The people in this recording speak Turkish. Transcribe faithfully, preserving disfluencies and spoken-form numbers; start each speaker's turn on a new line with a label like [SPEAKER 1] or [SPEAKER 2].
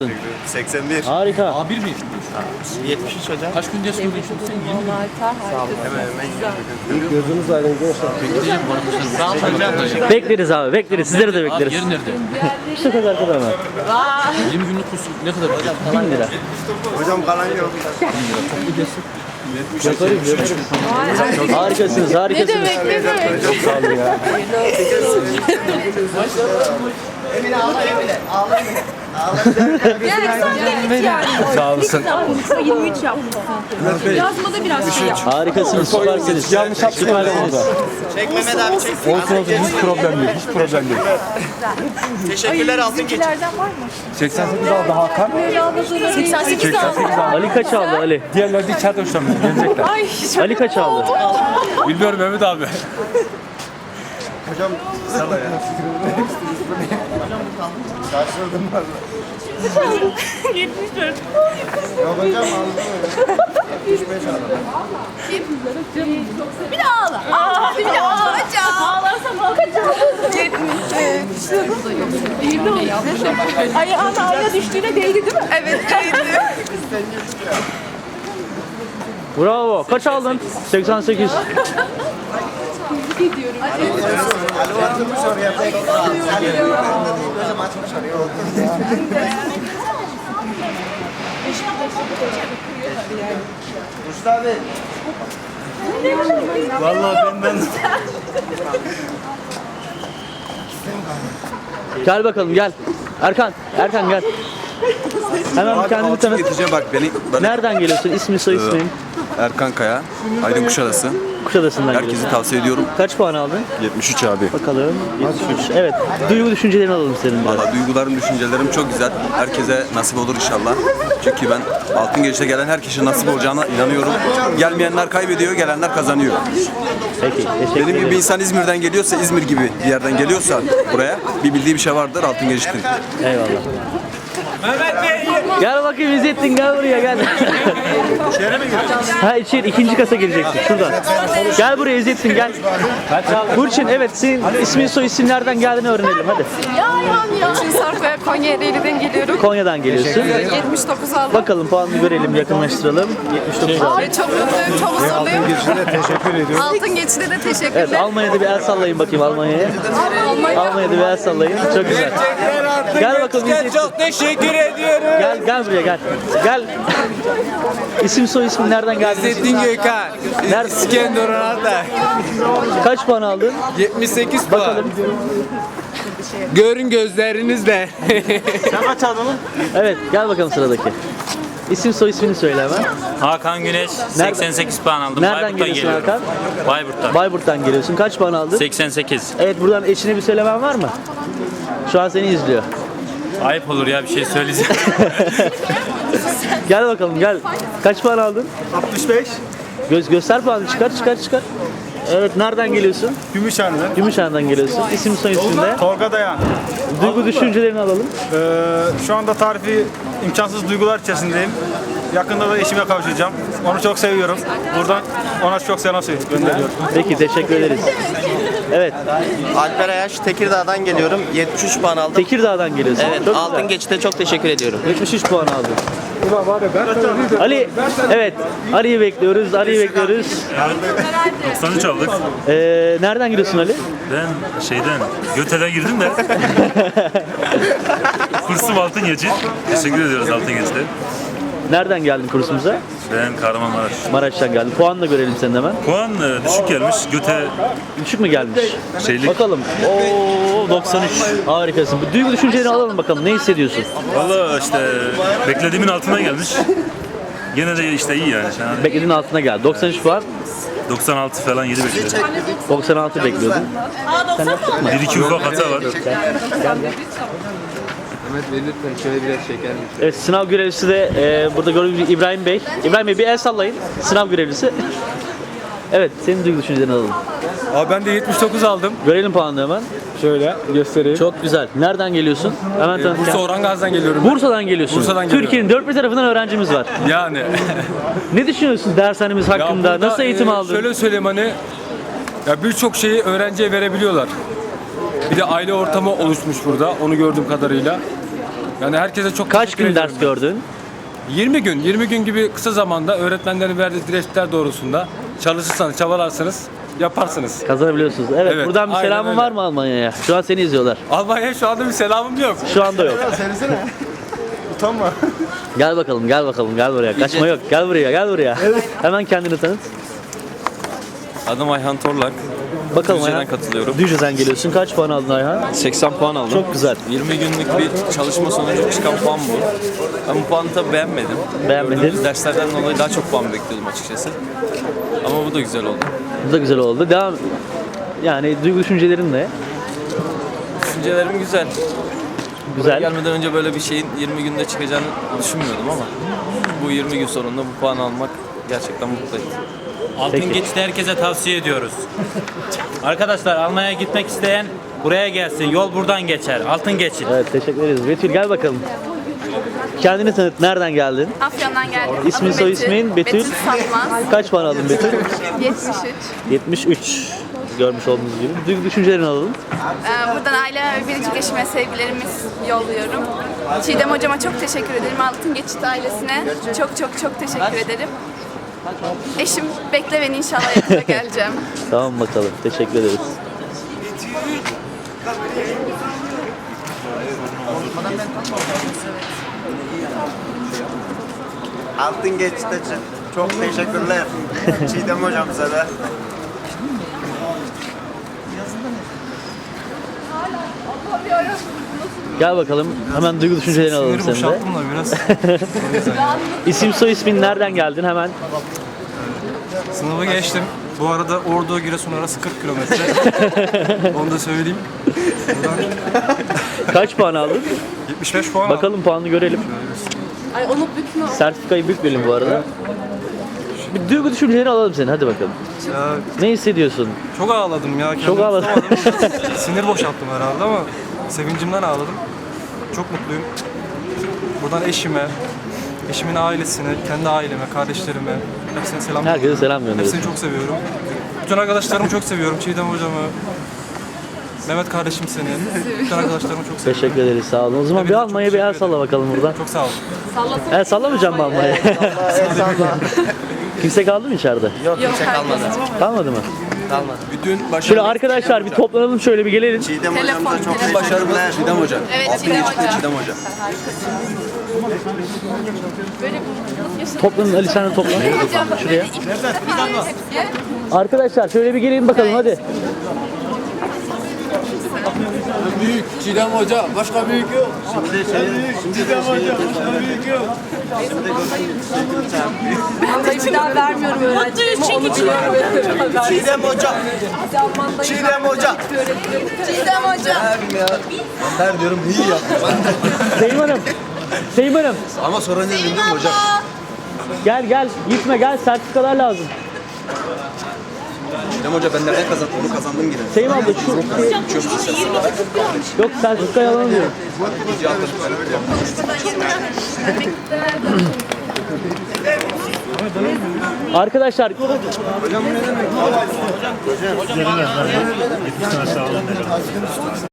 [SPEAKER 1] seksen bir.
[SPEAKER 2] Harika.
[SPEAKER 3] A bir mi?
[SPEAKER 1] yetmiş üç hocam.
[SPEAKER 3] Kaç gün ders gördün şimdi sen? yirmi gün.
[SPEAKER 1] Hemen hemen yirmi gün.
[SPEAKER 2] Gözünüz aydın gençler.
[SPEAKER 3] Bekleyeceğim bu arkadaşlar. Sağ olun.
[SPEAKER 2] Bekleriz abi, bekleriz. Sizleri de
[SPEAKER 3] Abi
[SPEAKER 2] bekleriz.
[SPEAKER 3] yer nerede?
[SPEAKER 2] İşte kadar kadar mı?
[SPEAKER 3] yirmi günlük kurs ne kadar olacak?
[SPEAKER 2] bin lira.
[SPEAKER 1] Hocam kalan yok.
[SPEAKER 2] Yaparız, yaparız. Harikasınız, harikasınız.
[SPEAKER 4] Ne demek, ne demek?
[SPEAKER 2] Çok sağ olun ya.
[SPEAKER 1] Emine ağla Emine. Ağla Emine.
[SPEAKER 4] Yani sen de git yani.
[SPEAKER 2] Sağ olasın.
[SPEAKER 4] yirmi üç yapmışsın. Yazmada biraz şey yap.
[SPEAKER 2] Harikasınız, süpersiniz. Yanlış yaptık burada.
[SPEAKER 1] Çek Mehmet abi çek.
[SPEAKER 5] Olsun olsun hiç problem değil, hiç problem değil.
[SPEAKER 1] Teşekkürler altın geçin.
[SPEAKER 4] Bizimkilerden var mı?
[SPEAKER 5] seksen sekiz aldı Hakan,
[SPEAKER 4] seksen sekiz aldı.
[SPEAKER 2] Ali kaç aldı Ali?
[SPEAKER 5] diğerleri de içeride hoşlanmıyor, gelecekler.
[SPEAKER 4] Ay
[SPEAKER 2] Ali kaç aldı?
[SPEAKER 5] Bilmiyorum Mehmet abi.
[SPEAKER 1] Hocam sana ya. Şaşırdım valla.
[SPEAKER 4] yetmiş dört.
[SPEAKER 1] Yok hocam aldım öyle. yetmiş beş aldım.
[SPEAKER 4] Bir daha ağla. Aa, bir daha ağlayacağım. Ağlarsam ağlayacağım. yetmiş. Değdi o. Ayağın ayna düştüğüne değdi değil mi? Evet değdi.
[SPEAKER 2] Bravo. Kaç aldın? seksen sekiz.
[SPEAKER 4] Gidiyorum.
[SPEAKER 1] Ali atılmış oraya. Ali gözüm açmış oraya. Mustafa abi. Vallahi benden.
[SPEAKER 2] Gel bakalım gel. Erkan, Erkan gel. Hemen bir kendini tanıt.
[SPEAKER 6] Getireceğim bak beni. Ben
[SPEAKER 2] Nereden geliyorsun? İsmi soy ismin?
[SPEAKER 6] Erkan Kaya, Aydın Kuşadası.
[SPEAKER 2] Kuşadası'ndan
[SPEAKER 6] Herkese
[SPEAKER 2] geliyorsun.
[SPEAKER 6] tavsiye ediyorum.
[SPEAKER 2] Kaç puan aldın?
[SPEAKER 6] yetmiş üç abi.
[SPEAKER 2] Bakalım. yetmiş üç. Evet. Duygu düşüncelerini alalım senin de.
[SPEAKER 6] Valla duygularım, düşüncelerim çok güzel. Herkese nasip olur inşallah. Çünkü ben Altın Geçit'e gelen herkese nasip olacağına inanıyorum. Gelmeyenler kaybediyor, gelenler kazanıyor.
[SPEAKER 2] Peki. Teşekkür
[SPEAKER 6] Benim gibi bir
[SPEAKER 2] ederim.
[SPEAKER 6] insan İzmir'den geliyorsa, İzmir gibi bir yerden geliyorsa buraya bir bildiği bir şey vardır Altın Geçit'in.
[SPEAKER 2] Eyvallah. Gel bakayım İzzettin, gel buraya gel. İçeri mi giriyorsun? Ha içeri ikinci kasa gireceksin şuradan. Gel buraya İzzettin gel. Burçin evet senin ismin soy isim nereden geldiğini öğrenelim hadi.
[SPEAKER 4] Ya ya ya. Çin Sarp'a Konya Ereğli'den geliyorum.
[SPEAKER 2] Konya'dan geliyorsun.
[SPEAKER 4] yetmiş dokuz aldım.
[SPEAKER 2] Bakalım puanını görelim yakınlaştıralım. yetmiş dokuz aldı.
[SPEAKER 4] Ay çok mutluyum, çok huzurluyum.
[SPEAKER 5] Teşekkür ediyorum.
[SPEAKER 4] Altın geçide de
[SPEAKER 2] Evet
[SPEAKER 4] teşekkürler.
[SPEAKER 2] Almanya'da bir el sallayın bakayım Almanya'ya.
[SPEAKER 4] Almanya.
[SPEAKER 2] Almanya'da bir el sallayın. Çok güzel. Gel bakalım İzzettin.
[SPEAKER 1] Çok teşekkür ediyorum.
[SPEAKER 2] Gel gel buraya gel. Gel. İsim soy ismin nereden geldi?
[SPEAKER 1] İzzettin Gökhan.
[SPEAKER 2] Nerede?
[SPEAKER 1] İskenderun Arda.
[SPEAKER 2] Kaç puan aldın?
[SPEAKER 1] yetmiş sekiz puan.
[SPEAKER 2] Bakalım.
[SPEAKER 1] Görün gözlerinizle.
[SPEAKER 2] Evet gel bakalım sıradaki. İsim soy ismini söyle hemen.
[SPEAKER 7] Hakan Güneş seksen sekiz puan aldım.
[SPEAKER 2] Nereden
[SPEAKER 7] Bayburt'tan
[SPEAKER 2] geliyorsun
[SPEAKER 7] geliyorum.
[SPEAKER 2] Hakan?
[SPEAKER 7] Bayburt'tan.
[SPEAKER 2] Bayburt'tan geliyorsun. Kaç puan aldın?
[SPEAKER 7] seksen sekiz.
[SPEAKER 2] Evet buradan eşine bir söylemen var mı? Şu an seni izliyor.
[SPEAKER 7] Ayıp olur ya bir şey söyleyeceğim.
[SPEAKER 2] Gel bakalım gel. Kaç puan aldın?
[SPEAKER 5] altmış beş,
[SPEAKER 2] Göz göster puanı çıkar çıkar çıkar. Evet nereden geliyorsun?
[SPEAKER 5] Gümüşhane'den.
[SPEAKER 2] Gümüşhane'dan geliyorsun. İsim soy isminde.
[SPEAKER 5] Tolga Dayan.
[SPEAKER 2] Duygu düşüncelerini alalım.
[SPEAKER 5] Ee, şu anda tarifi imkansız duygular içerisindeyim. Yakında da eşime kavuşacağım. Onu çok seviyorum. Buradan ona çok selam gönderiyorum.
[SPEAKER 2] Peki teşekkür ederiz. Evet
[SPEAKER 1] Alper Ayaş Tekirdağ'dan geliyorum. yetmiş üç puan aldım.
[SPEAKER 2] Tekirdağ'dan geliyorsun.
[SPEAKER 1] Evet,
[SPEAKER 2] Çok
[SPEAKER 1] Altın
[SPEAKER 2] güzel.
[SPEAKER 1] Geçit'e çok teşekkür ediyorum.
[SPEAKER 2] yetmiş üç puan aldın. Ali, evet Ali'yi bekliyoruz, Ali'yi bekliyoruz.
[SPEAKER 8] doksan üç aldık.
[SPEAKER 2] Ee, nereden geliyorsun Ali?
[SPEAKER 8] Ben şeyden, Göte'den girdim de. Kursum Altın Geçit. Teşekkür ediyoruz Altın Geçit'e.
[SPEAKER 2] Nereden geldin kursumuza?
[SPEAKER 8] Ben Kahramanmaraş.
[SPEAKER 2] Maraş'tan geldin. Puan da görelim senin hemen.
[SPEAKER 8] Puan e, düşük gelmiş. Göte
[SPEAKER 2] Düşük mü gelmiş?
[SPEAKER 8] şeylik.
[SPEAKER 2] Bakalım. Oo doksan üç. Harikasın. Bu duygu düşüncelerini alalım bakalım. Ne hissediyorsun?
[SPEAKER 8] Valla işte beklediğimin altına gelmiş. Gene de işte iyi yani. Yani
[SPEAKER 2] Beklediğin altına geldi. doksan üç puan.
[SPEAKER 8] doksan altı falan yedi bekliyorum.
[SPEAKER 2] doksan altı bekliyordun. Sen yaptık mı?
[SPEAKER 8] Bir iki ufak hata var.
[SPEAKER 2] Evet sınav görevlisi de e, burada gördüğünüz gibi İbrahim Bey. İbrahim Bey bir el sallayın. Sınav görevlisi. Evet senin duygu düşüncelerini alalım.
[SPEAKER 5] Abi ben de yetmiş dokuz aldım.
[SPEAKER 2] Görelim puanını hemen.
[SPEAKER 5] Şöyle göstereyim.
[SPEAKER 2] Çok güzel. Nereden geliyorsun? Hemen tanıt.
[SPEAKER 5] Bursa Orangaz'dan geliyorum.
[SPEAKER 2] Bursa'dan geliyorsun.
[SPEAKER 5] Bursa'dan geliyorum.
[SPEAKER 2] Türkiye'nin dört bir tarafından öğrencimiz var.
[SPEAKER 5] Yani.
[SPEAKER 2] Ne düşünüyorsun dershanemiz
[SPEAKER 5] Ya
[SPEAKER 2] hakkında?
[SPEAKER 5] burada,
[SPEAKER 2] Nasıl eğitim
[SPEAKER 5] e,
[SPEAKER 2] aldın?
[SPEAKER 5] Şöyle söyleyeyim hani ya birçok şeyi öğrenciye verebiliyorlar. Bir de aile ortamı oluşmuş burada onu gördüğüm kadarıyla.
[SPEAKER 9] Yani herkese çok
[SPEAKER 2] Kaç
[SPEAKER 9] teşekkür
[SPEAKER 2] gün
[SPEAKER 9] ediyorum
[SPEAKER 2] ders
[SPEAKER 9] ben.
[SPEAKER 2] gördün?
[SPEAKER 9] yirmi gün. yirmi gün gibi kısa zamanda öğretmenlerin verdiği direktifler doğrultusunda çalışırsanız, çabalarsanız yaparsınız.
[SPEAKER 2] Kazanabiliyorsunuz. Evet,
[SPEAKER 9] Evet,
[SPEAKER 2] buradan bir
[SPEAKER 9] aynen
[SPEAKER 2] selamın
[SPEAKER 9] öyle.
[SPEAKER 2] var mı Almanya'ya? Şu an seni izliyorlar.
[SPEAKER 9] Almanya'ya şu anda bir selamım yok.
[SPEAKER 2] Şu anda yok.
[SPEAKER 1] Söylesene. Utanma.
[SPEAKER 2] Gel bakalım, gel bakalım, gel buraya. Kaçma yok. Gel buraya, gel buraya. Hemen kendini tanıt.
[SPEAKER 10] Adım Ayhan Torlak.
[SPEAKER 2] Bakalım
[SPEAKER 10] Düzce'den
[SPEAKER 2] Ayhan.
[SPEAKER 10] katılıyorum.
[SPEAKER 2] Düzce'den geliyorsun. Kaç puan aldın Ayhan?
[SPEAKER 10] seksen puan aldım.
[SPEAKER 2] Çok güzel.
[SPEAKER 10] yirmi günlük bir çalışma sonucu çıkan puan bu. Ben bu puanı tabii beğenmedim.
[SPEAKER 2] Beğenmedin.
[SPEAKER 10] Gördüğümüz derslerden dolayı daha çok puan bekliyordum açıkçası. Ama bu da güzel oldu.
[SPEAKER 2] Bu da güzel oldu. Devam. Yani duygu düşüncelerin ne?
[SPEAKER 10] Düşüncelerim güzel.
[SPEAKER 2] Güzel.
[SPEAKER 10] Gelmeden önce böyle bir şeyin yirmi günde çıkacağını düşünmüyordum ama bu yirmi gün sonunda bu puanı almak gerçekten mutlu etti.
[SPEAKER 7] Altın
[SPEAKER 2] Peki.
[SPEAKER 7] geçidi herkese tavsiye ediyoruz. Arkadaşlar Almanya'ya gitmek isteyen buraya gelsin. Yol buradan geçer. Altın geçit.
[SPEAKER 2] Evet, teşekkür ederiz. Betül gel bakalım. Kendini tanıt. Nereden geldin?
[SPEAKER 4] Afyon'dan geldim.
[SPEAKER 2] İsmin,
[SPEAKER 4] Adım
[SPEAKER 2] soy
[SPEAKER 4] Betül.
[SPEAKER 2] ismin? Betül.
[SPEAKER 4] Betül Satmaz.
[SPEAKER 2] Kaç puan aldın Betül?
[SPEAKER 4] yetmiş üç.
[SPEAKER 2] yetmiş üç. Görmüş olduğunuz gibi. Duygu düşüncelerini alalım.
[SPEAKER 4] Ee, buradan aile ve biricik eşime sevgilerimiz yolluyorum. Çiğdem hocama çok teşekkür ederim. Altın Geçit ailesine çok çok çok teşekkür ederim. Eşim bekle beni, inşallah yakında geleceğim.
[SPEAKER 2] Tamam bakalım. Teşekkür ederiz.
[SPEAKER 1] Altın geçti için çok teşekkürler. Çiğdem hocamıza da.
[SPEAKER 2] Gel bakalım. Hemen duygu düşüncelerini alalım senin de.
[SPEAKER 5] da biraz.
[SPEAKER 2] İsim soy ismin, nereden geldin hemen?
[SPEAKER 5] Sınavı geçtim. Bu arada Ordu Giresun arası kırk kilometre. Onu da söyleyeyim.
[SPEAKER 2] Kaç puan aldın?
[SPEAKER 5] yetmiş beş puan aldım.
[SPEAKER 2] Bakalım puanını görelim.
[SPEAKER 4] Ay onu bükme.
[SPEAKER 2] Sertifikayı bükmeyelim bu arada. Bir duygu düşüncelerini alalım seni. Hadi bakalım.
[SPEAKER 5] Ya,
[SPEAKER 2] Ne hissediyorsun?
[SPEAKER 5] çok ağladım ya.
[SPEAKER 2] Çok
[SPEAKER 5] Kendimi
[SPEAKER 2] ağladın.
[SPEAKER 5] tutamadım. Sinir boşalttım herhalde ama sevincimden ağladım. Çok mutluyum. Buradan eşime, eşimin ailesine, kendi aileme, kardeşlerime hepsine selam.
[SPEAKER 2] Herkese selam gönderiyorsun.
[SPEAKER 5] Hepsini çok seviyorum. Bütün arkadaşlarımı çok seviyorum. Çiğdem hocamı, Mehmet kardeşim seni. Bütün arkadaşlarımı çok seviyorum.
[SPEAKER 2] Teşekkür ederiz. Sağ olun. O zaman bir
[SPEAKER 5] Hepinize çok
[SPEAKER 2] Almanya'ya bir el
[SPEAKER 5] teşekkür
[SPEAKER 2] salla bakalım buradan.
[SPEAKER 5] Çok sağ olun.
[SPEAKER 2] El sallamayacağım mı Almanya'ya? Kimse kaldı mı içeride?
[SPEAKER 4] Yok, kalmadı.
[SPEAKER 2] Kalmadı mı?
[SPEAKER 6] Bütün
[SPEAKER 2] Şöyle
[SPEAKER 6] başarı,
[SPEAKER 2] arkadaşlar bir toplanalım, şöyle bir gelelim.
[SPEAKER 1] Çiğdem
[SPEAKER 4] Telefon,
[SPEAKER 1] hocamıza çok
[SPEAKER 4] telefon.
[SPEAKER 6] başarımız
[SPEAKER 1] teşekkürler.
[SPEAKER 6] Çiğdem Hoca.
[SPEAKER 4] Evet,
[SPEAKER 6] Altın
[SPEAKER 4] Çiğdem
[SPEAKER 6] geçti
[SPEAKER 4] Hoca.
[SPEAKER 6] Çiğdem Hoca.
[SPEAKER 2] Toplanın Ali, sen de toplan.
[SPEAKER 4] Hocam
[SPEAKER 2] Şuraya.
[SPEAKER 4] ilk defa hepsi.
[SPEAKER 2] Arkadaşlar şöyle bir gelin bakalım hadi.
[SPEAKER 6] Çiğdem Hoca, başka büyük yok.
[SPEAKER 1] Çiğdem hocam, büyük yok.
[SPEAKER 4] Vallahi bir daha vermiyorum öğrencilerime. Onu biliyorum.
[SPEAKER 1] Çiğdem hocam. Çiğdem hocam.
[SPEAKER 4] Çiğdem hocam.
[SPEAKER 6] Her diyorum iyi yaptım.
[SPEAKER 2] Seyim Hanım. Seyim Hanım.
[SPEAKER 6] Ama sonra ne dedim değil mi hocam?
[SPEAKER 2] Gel gel. Gitme gel. Sertifikalar lazım.
[SPEAKER 6] Çiğdem Hoca ben nereden kazandım? Bunu kazandım yine.
[SPEAKER 2] Seyim abla şu... Yok sertifikayı alalım diyorum. Arkadaşlar